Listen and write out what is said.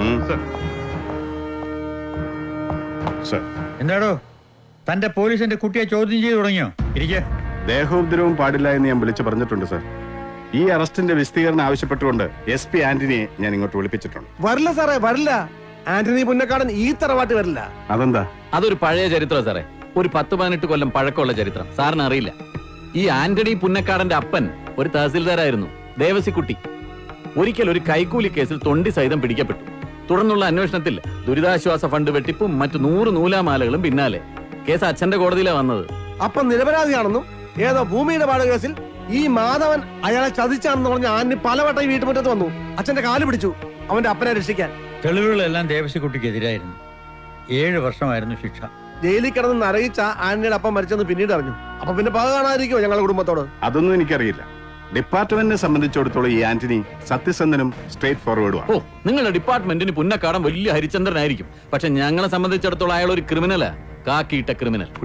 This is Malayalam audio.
എന്താടോ തന്റെ പോലീസിന്റെ കുട്ടിയെ ചോദ്യം ചെയ്ത് തുടങ്ങിയോ? ഇരിക്കെ. ദേഹോപദ്രവം പാടില്ല എന്ന് ഞാൻ വിളിച്ചു പറഞ്ഞിട്ടുണ്ട് സർ. ഈ അറസ്റ്റിന്റെ വിശദീകരണം ആവശ്യപ്പെട്ടുകൊണ്ട് SP ആന്റണിയെ ഞാൻ ഇങ്ങോട്ട് വിളിപ്പിച്ചിട്ടുണ്ട്. വരില്ല സാറേ, വരില്ല. ആന്റണി പുന്നക്കാടൻ ഈ തറവാട്ട് വരില്ല. അതെന്താ? അതൊരു പഴയ ചരിത്രം സാറേ. ഒരു 10-18 കൊല്ലം പഴക്കമുള്ള ചരിത്രം. സാറിന് അറിയില്ല. ഈ ആന്റണി പുന്നക്കാടന്റെ അപ്പൻ ഒരു തഹസിൽദാരായിരുന്നു, ദേവസിക്കുട്ടി. ഒരിക്കൽ ഒരു കൈക്കൂലി കേസിൽ തൊണ്ടി സഹിതം പിടിക്കപ്പെട്ടു. തുടർന്നുള്ള അന്വേഷണത്തിൽ ദുരിതാശ്വാസ ഫണ്ട് വെട്ടിപ്പും മറ്റു 100 നൂലാമാലകളും പിന്നാലെ. കേസ് അച്ഛന്റെ കോടതിയിലാണ് വന്നത്. അപ്പം നിരപരാധിയാണെന്നും ഏതോ ഭൂമിയുടെ പാട് കേസിൽ ഈ മാധവൻ അയാളെ ചതിച്ചാണെന്ന് പറഞ്ഞ ആന്റണി പലവട്ടം ഈ വീട്ടുമുറ്റത്ത് വന്നു. അച്ഛന്റെ കാല് പിടിച്ചു അവന്റെ അപ്പനെ രക്ഷിക്കാൻ. തെളിവുകളെല്ലാം ദേവസിക്കുട്ടിക്കെതിരായിരുന്നു. 7 വർഷമായിരുന്നു ശിക്ഷ. ജയിലിൽ കിടന്ന് നരകിച്ച ആന്റണിയുടെ അപ്പം മരിച്ചെന്ന് പിന്നീട് അറിഞ്ഞു. അപ്പൊ പിന്നെ പക കാണാതിരിക്കുമോ ഞങ്ങളുടെ കുടുംബത്തോട്? അതൊന്നും എനിക്കറിയില്ല. ഡിപ്പാർട്ട്മെന്റിനെ സംബന്ധിച്ചിടത്തോളം ഈ ആന്റണി സത്യസന്ധനും സ്ട്രേറ്റ് ഫോർവേഡുമാണ്. ഓ, നിങ്ങളുടെ ഡിപ്പാർട്ട്മെന്റിന് പുന്നക്കാടൻ വലിയ ഹരിചന്ദ്രനായിരിക്കും. പക്ഷെ ഞങ്ങളെ സംബന്ധിച്ചിടത്തോളം അയാൾ ഒരു ക്രിമിനലാ, കാക്കിയിട്ട ക്രിമിനൽ.